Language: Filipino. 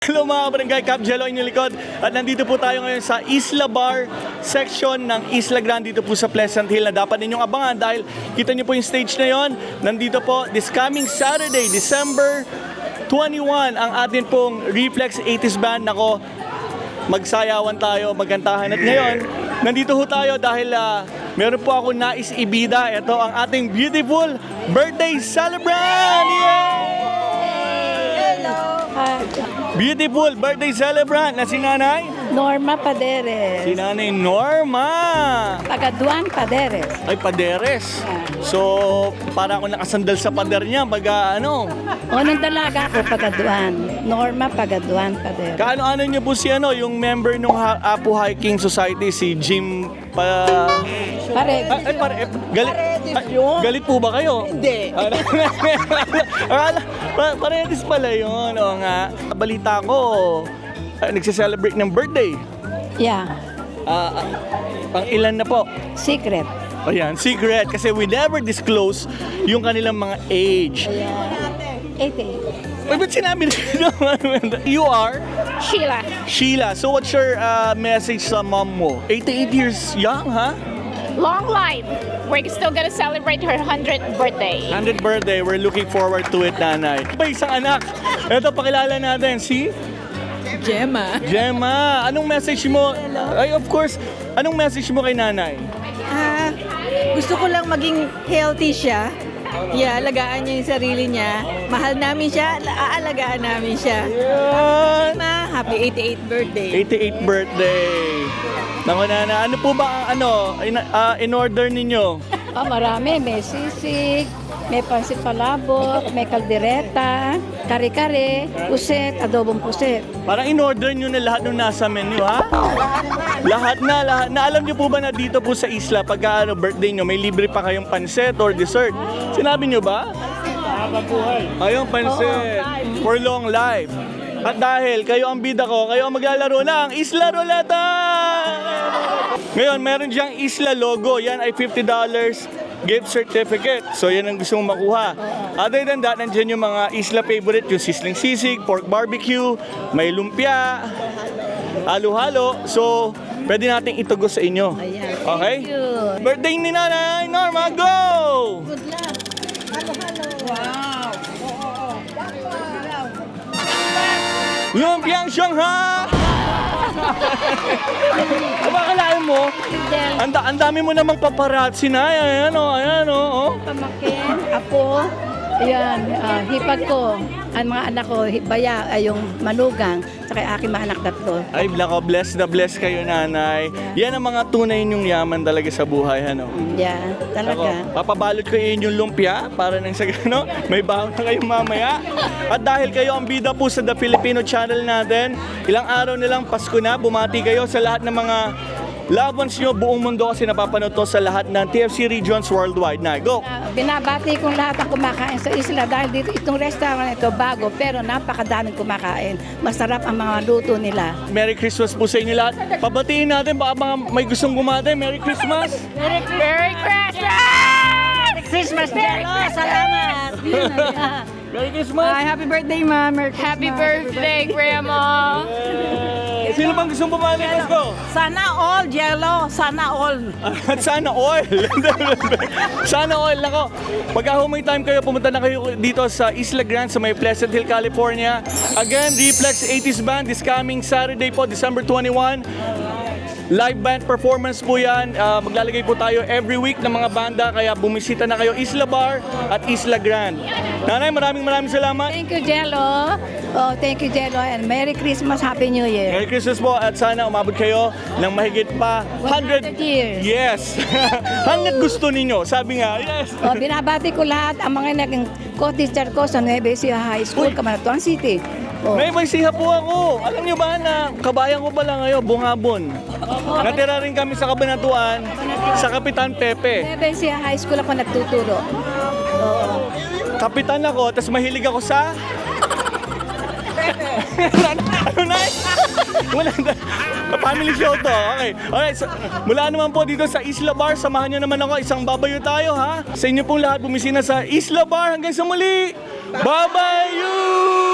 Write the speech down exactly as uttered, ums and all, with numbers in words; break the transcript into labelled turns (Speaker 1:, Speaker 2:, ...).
Speaker 1: Hello mga barangay, Cap Jello inyong likod. At nandito po tayo ngayon sa Isla Bar section ng Isla Grande dito po sa Pleasant Hill na dapat ninyong abangan dahil kita niyo po yung stage na yon. Nandito po this coming Saturday, December twenty-first, ang atin pong Reflex eighties Band. Nako, magsayawan tayo, magkantahan. At ngayon, nandito ho tayo dahil uh, meron po ako nais ibida. Ito ang ating beautiful birthday celebrant! Yay! Beautiful birthday celebrant na si Nanay
Speaker 2: Norma Paderes.
Speaker 1: Si Nanay Norma.
Speaker 2: Pagaduan Paderes.
Speaker 1: Ay, Paderes. So, para ako nakasandal sa pader niya, baga ano.
Speaker 2: Unang dalaga ako Pagaduan. Norma Pagaduan Paderes.
Speaker 1: Kaano-ano niyo po si ano, yung member ng Apo Hiking Society, si Jim pa...
Speaker 2: Pare.
Speaker 1: Ay, ay, pare, eh, galit, ay, galit po ba kayo?
Speaker 2: Hindi.
Speaker 1: Akala, pa, paredes pala yun. O nga, balita ko, uh, nagse-celebrate ng birthday.
Speaker 2: Yeah.
Speaker 1: Ah, ah, pang ilan na po?
Speaker 2: Secret.
Speaker 1: Ayan, secret. Kasi we never disclose yung kanilang mga age.
Speaker 2: eighty.
Speaker 1: Ay, ba't sinabi nila? You are?
Speaker 2: Sheila.
Speaker 1: Sheila. So what's your uh, message sa mom mo? eighty-eight years young, ha?
Speaker 3: Long life. We're still gonna celebrate her hundredth birthday.
Speaker 1: one hundredth birthday. We're looking forward to it, nanay. May isang anak. Ito, pakilala natin. Si?
Speaker 4: Gemma.
Speaker 1: Gemma. Anong message mo? Ay, of course. Anong message mo kay nanay?
Speaker 4: Ah, gusto ko lang maging healthy siya. Yeah, alagaan niya yung sarili niya. Mahal namin siya, aalagaan namin siya.
Speaker 1: Yan.
Speaker 4: Ma, happy eighty-eighth birthday.
Speaker 1: eighty-eighth birthday. Naku, nana. Ano po ba ang ano, in, uh, in order ninyo?
Speaker 2: Oh, marami. May sisig, may pansit palabok, may kaldereta, kare-kare, puset, adobong puset.
Speaker 1: Parang in-order nyo na lahat ng nasa menu, ha? Lahat na, lahat na. Alam nyo po ba na dito po sa isla, pagka ano, birthday nyo, may libre pa kayong pansit or dessert? Sinabi nyo ba? Ayong pansit. For long life. At dahil kayo ang bida ko, kayo ang maglalaro ng Isla Roleta! Ngayon, meron diyang Isla logo. Yan ay fifty dollars gift certificate. So yan ang gusto mong makuha. Other than that, nandiyan yung mga Isla favorite, yung sisling sisig, pork barbecue, may lumpia, halo-halo. So, pwede nating itugos sa inyo. Okay?
Speaker 2: Thank you.
Speaker 1: Birthday ni Nanay Norma, go!
Speaker 2: Good luck. Halo-halo. Wow.
Speaker 1: Lumpiang Shanghai! Abakalaan mo, ang ang dami mo namang paparazzi na. Ayan o, ayan o. Oh.
Speaker 2: Pamakin, apo, ayan, ah, hipag ko. Ang mga anak ko, baya, ay yung manugang, saka aking mga anak tatlo.
Speaker 1: Ay, blako, bless na bless kayo, nanay. Yan ang mga tunay niyong yaman talaga sa buhay, ano?
Speaker 2: Yeah,
Speaker 1: Ako,
Speaker 2: talaga.
Speaker 1: papabalot ko yun yung lumpia para nang sa gano, may baon na kayong mamaya. At dahil kayo ang bida po sa The Filipino Channel natin, ilang araw nilang Pasko na, bumati kayo sa lahat ng mga loved ones nyo, buong mundo kasi napapanood to sa lahat ng T F C regions worldwide. Na, go!
Speaker 2: Ah, binabati kong lahat ang kumakain sa isla dahil dito itong restaurant ito bago pero napakadaming kumakain. Masarap ang mga luto nila.
Speaker 1: Merry Christmas po sa inyo lahat. Pabatiin natin, baka mga may gustong gumate. Merry Christmas!
Speaker 3: Merry Christmas!
Speaker 2: Christmas, Jello! Salamat!
Speaker 1: Merry Christmas!
Speaker 4: Hi, happy birthday, ma. Merry
Speaker 3: Happy birthday, Grandma!
Speaker 1: Eh, sino bang gustong bumati, Pasko?
Speaker 4: Sana all, Jello. Sana all.
Speaker 1: At sana oil. Sana oil. Nako, pagka may time kayo, pumunta na kayo dito sa Isla Grande sa may Pleasant Hill, California. Again, Reflex eighties Band this coming Saturday po, December twenty-first. Live band performance po yan. Uh, maglalagay po tayo every week ng mga banda. Kaya bumisita na kayo Isla Bar at Isla Grande. Nanay, maraming maraming salamat.
Speaker 2: Thank you, Jello. Oh, thank you, Jello. And Merry Christmas, Happy New Year.
Speaker 1: Merry Christmas po at sana umabot kayo ng mahigit pa
Speaker 2: one hundred years.
Speaker 1: Yes. Hanggat gusto ninyo. Sabi nga, yes.
Speaker 2: Oh, binabati ko lahat ang mga naging co-teacher ko sa Nueva Ecija High School,
Speaker 1: Uy.
Speaker 2: Camaratuan City. Oh.
Speaker 1: May maisiha po ako. Alam niyo ba na kabayan ko pala ngayon, Bungabon. Natira rin kami sa Kabanatuan, sa Kapitan Pepe.
Speaker 2: Nueva Ecija High School ako nagtuturo. Oo.
Speaker 1: Kapitan ako, tapos mahilig ako sa... ano na? Wala na. Family show to. Okay. Alright. So, mula naman po dito sa Isla Bar, samahan nyo naman ako. Isang babayo tayo, ha? Sa inyo pong lahat bumisina sa Isla Bar. Hanggang sa muli. Babayo!